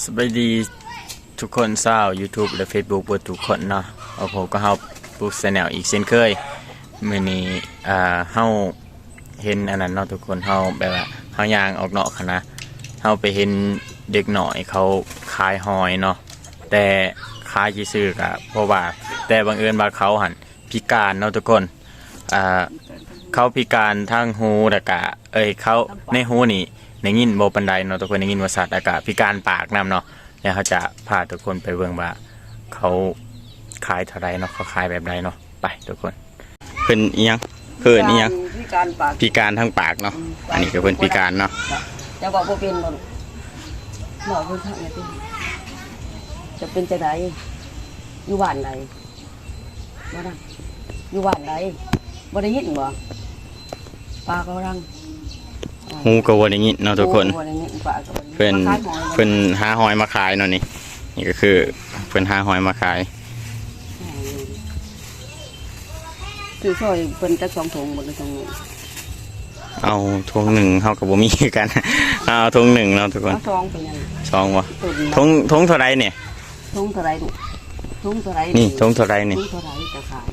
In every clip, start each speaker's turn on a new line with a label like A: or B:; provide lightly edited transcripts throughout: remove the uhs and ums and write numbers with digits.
A: สวัสดีทุกคนชาว YouTube และ Facebook บทุกคนเนาะผมก็เฮาปุ๊บแนลอีกเช่นเคยมื้อนี้เฮาเห็นอันนั้นเนาะทุกคนเฮาแบบว่าเฮาย่างออกนอกคณะเฮาไปเห็นเด็กหน่อยเขาขายหอยเนาะแต่ขายซื่อๆก็เพราะว่าแต่บังเอิญว่าเขาหันพิการเนาะทุกคนเขาพิการทั้งหูแล้วก็เขาในหูนี่ในยินโบปันไดเนาะทุกคนในยินว่าสัตว์อากาศพิการปากนำเนาะแล้วเขาจะพาทุกคนไปเบิ่งว่าเขาขายเท่าไรเนาะเขาขายแบบไรเนาะไปทุกคนเพิ่นอีหยังเพิ่นอีหยังพิการทั้งปากเนาะอันนี้ก็เพิ่นพิการเนาะ
B: จะบอกว่าเป็นบ่บอกเพิ่นทำไงเป็นจะเป็นจังไดอยู่บ้านใดบ่ดังอยู่บ้านใดบ่ได้ยินบ่ปลาก็ดัง
A: หูก็บ่ได้ยินเนาะทุกคนเพิ่นหาหอยมาขายเนาะนี่ก็คือเพิ่นหาหอยมาขาย
B: คือซอยเพิ่นจัก2ถุงบ่ได้2ถุง
A: เอาถุงหนึ่งเฮาก็บ่มีกันเอาถุงหนึ่งเนาะทุกคน
B: 2เป็นยัง
A: 2บ่ถุงเท่าไรเนี่ย
B: ถุงเท่าไรลูกถุงเท่าไร
A: นี่ถุงเท่าไรนี่
B: ถุงเท่าไรจะขาย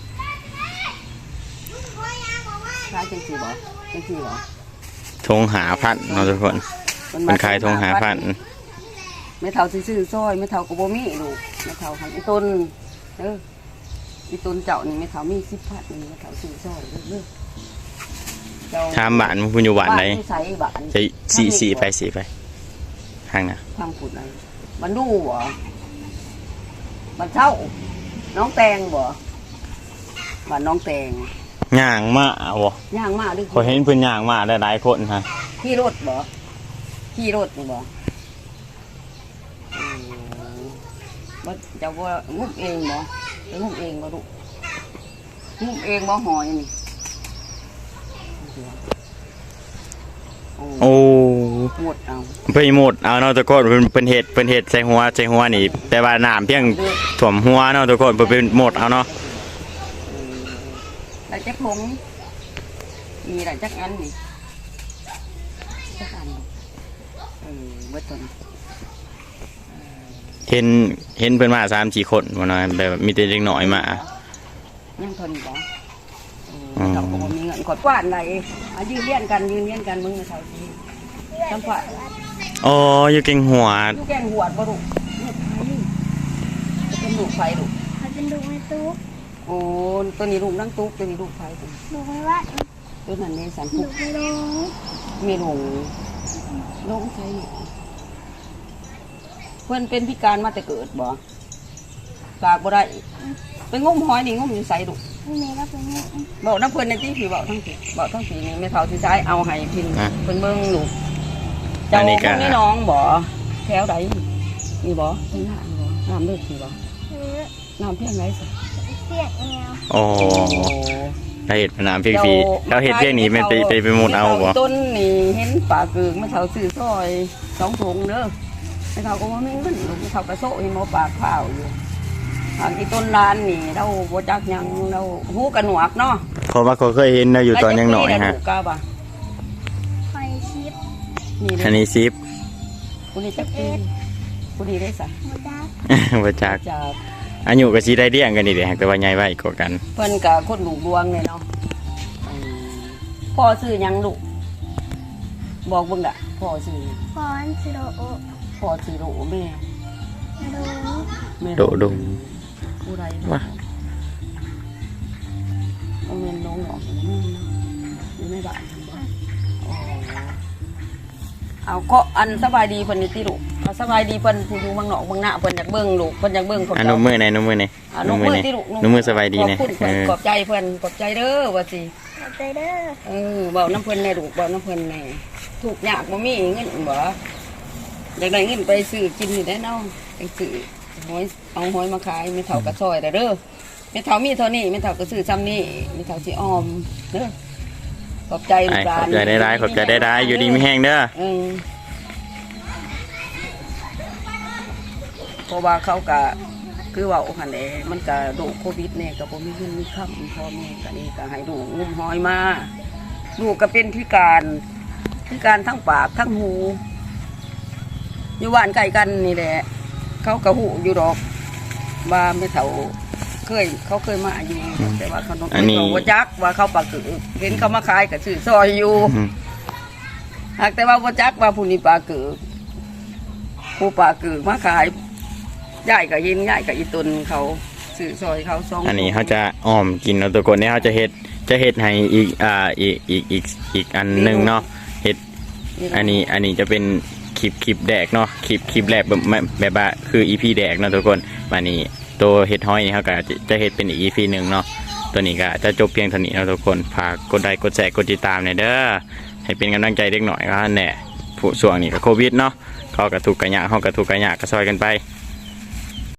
B: จังซี่บ่จังซี่บ่
A: ทงหาพันเนาะทุกคนมันขายทงหาพัน
B: ไม่เท่าซื้อซอยไม่เท่ากับโบมี่ลูกไม่เท่าหันอีต้นอีต้นเจ้านี่ไม่เท่ามี10,000นี่ไม่เท่าซื้อซอยเรื่อย
A: ทำบ้านมันคุณอยู่บ้านไหนใช่สี่ไปทางน่ะ
B: ทางผุดไหนมันดูบ่มันเช่าน้องแตงบ่บ้านน้องแตง
A: ย่างมาบ่
B: ย่างมาดิ
A: ขอเห็นเพิ่นย่างมาหลายคนฮะ
B: ขี่รถบ่ขี่รถนี่บ่บ่จะว่างุบเองบ่ไปงุบเองบ่ลูกงุบเองบ่หอยนี่
A: โอ้
B: หมดเอา
A: เพิ่นหมดเอาเนาะทุกคนเพิ่นเฮ็ดใส่หัวนี่แต่ว่าน้ำเพียงท่วมหัวเนาะทุกคนเพิ่นหมดเอาเนาะ
B: ได้จักผงมีได้จักอันนี่จักอันเบิดต้น
A: เห็นเพิ่นมา3-4 คนบ่เนาะแบบมีแต่เด็กน้อยมา
B: ยังทนบ่เราก็บ่มีเงินกดกวาดได้ยืนเลี้ยนกันมึงเท่าสิจำกวาด
A: อ๋ออยู่เก่งหัว
B: อยู่แก่งหัวบ่ลูกเป็นลูกไฟลูก
C: เป็นลูกในตุ๊ก
B: โอ้ตัวนี้ลูกนั่งตุ๊กตัวนี้ลูกไฟ
C: ลูกไม่ว่า
B: ตัวนั้นในสัน
C: ลูกไม่ลง
B: มีลงใช่เพื่อนเป็นพิการมาแต่เกิดบ่ปากบ่ได้ไปงมหอยนี่งมอยู่ใส่ลูก
C: แม่ก็เป็นแม่
B: บอกน้ำเพื่อนในที่ผีบอกทั้งผีนี่ไม่เท่าที่ใช้เอาให้พินเป็นเบิ้งลูกเจ้าพวกนี้น้องบ่แถวใดมีบ่ที่หน้าบ่น้ำเลือดผีบ่น้ำเพียงไรสิ
C: เพียงแนว
A: โอ้เราเห็ดน้ำเพียงฟีเราเห็ดเพียงนี้ไปหมดเอาบ่
B: ต้นนี่เห็นป่าเกือกไม่เท่าซื้อซอย2 ถุงเด้อไม่เท่าก็ว่าไม่เงินลูกไม่เท่ากระโซ่ให้หมอปากข้าวอยู่ทางที่ต้นร้านนี่เราโบจักยังเราหูกระหนวกเนาะ
A: เพราะว่าเขาเคยเห็นเราอยู่ตอนยังหน่อยฮะ
C: ไฟชิป
A: อันนี้ซิป
B: คุณนี่จักปีคุณนี่ได้สัก
A: โบจักอายุก็สีได้เดี่ยงกันนี่เดี๋ยวแต่ว่าใหญ่ไว้กว่ากัน
B: เพิ่นกับคนลูกดวงเลยเนาะพ่อซื้อยังลูกบอกเบิ่งด่ะพ่อซื้อ
C: พ่อซื้อโอ
B: พ่อซื้อโอแม่
A: โด
B: ผู้ใดวะเอาเงินน้องหนอกอยู่ในบ้านเอาก็อันสบายดีเพิ่นนี่ติลูกสบายดีเพิ่นผู้อยู่เมืองนอกเมืองหน้าเพิ่นอยากเบิ่งลูกเพิ่นอยากเบิ่งคน
A: นุ่มมือไหนนุ่มมือติลูกนุ่มมือสบายดีเนี่ย
B: ขอบใจเพิ่นขอบใจเด้อว่าสิ
C: ขอบใจเด้อ
B: เบาน้ำเพิ่นแน่ลูกเบาน้ำเพิ่นแน่ถูกยากบ่มีเงินบ่อยากได้เงินไปซื้อกินนี่ได้เนาะไปซื้อหอยเอาหอยมาขายไม่เท่ากับซอยเด้อไม่เท่ามีเท่านี้ไม่เท่ากับซื้อซ้ำนี่ไม่เท่าสิออมเด้อขอบใจลูกหลาน
A: ขอบใจได้อยู่ดีไม่แห้งเด้อ
B: เพราะว่าเขาก็คือว่าหันเองมันก็โรคโควิดเนี่ยก็บ่มีเงินมีคำพ่อแม่ก็นี่ก็ให้ลูกงมหอยมาลูกก็เป็นพิการทั้งปากทั้งหูอยู่บ้านใกล้กันนี่แหละเขากระหูอยู่ดอกว่าไม่เท่าเขาเคยมาอยู่แต่ว่าเขาต้องว่าจักว่าเขาปากกือเห็นเขามาขายกับซื้อซอยอยู่หากแต่ว่าว่าจักว่าผู้นี้ปากกือผู้ปากกือมาขายย่ายกับยินย่ายกับอีตุนเขาซื้อซอยเขา2
A: อันนี้เขาจะอ้อมกินเนาะทุกคนเนี่ยเขาจะเฮ็ดให้อีกอันหนึงเนาะเฮ็ดอันนี้จะเป็นคลิปแดกเนาะคลิปแรกแบบว่าคือ EP แดกเนาะทุกคนอันนี้ตัวเฮ็ดห้อยนี่เขาก็จะเฮ็ดเป็นอีก EP หนึ่งเนาะตัวนี้ก็จะจบเพียงเท่านี้เนาะทุกคนฝากกดไลค์กดแชร์กดติดตามหน่อยเด้อให้เป็นกำลังใจเล็กหน่อยก็แน่ผู้ส่วงนี้ก็โควิดเนาะเขาก็ถูกกระยะเขาก็ถูกกระยะก็ซอยกันไป